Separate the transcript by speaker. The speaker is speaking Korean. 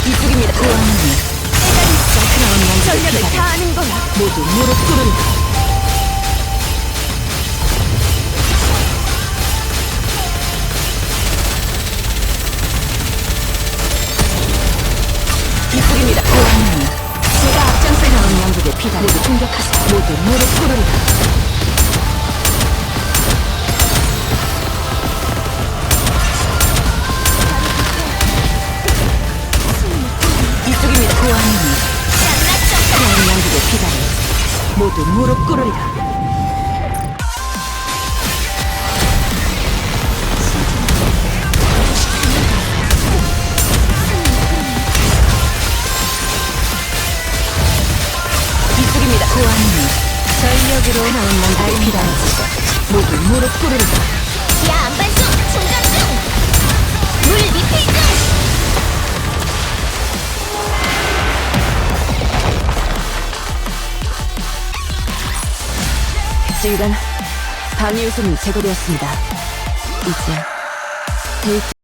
Speaker 1: 이쪽입니다. 고아노니 크라운
Speaker 2: 전력을
Speaker 1: 양쪽에
Speaker 2: 다하는 거야.
Speaker 1: 모두 무릎 꿇으리라. 이쪽입니다. 고아노니
Speaker 2: 제가 앞장서
Speaker 1: 크라운 양쪽에 피다리를 공격하세요. 모두 무릎 꿇으리라. 이쪽입니다. 고아노니 크라운 양쪽에 피다리 모두 무릎 꿇으리라. 이쪽입니다. 고아노니
Speaker 2: 전력으로
Speaker 1: 크라운 양쪽에 피다리 모두 무릎 꿇으리라.
Speaker 2: 야 안반수 충전 중. 물 리필 중.
Speaker 1: 지휘관, 방위 요소는 제거되었습니다. 이제 데이트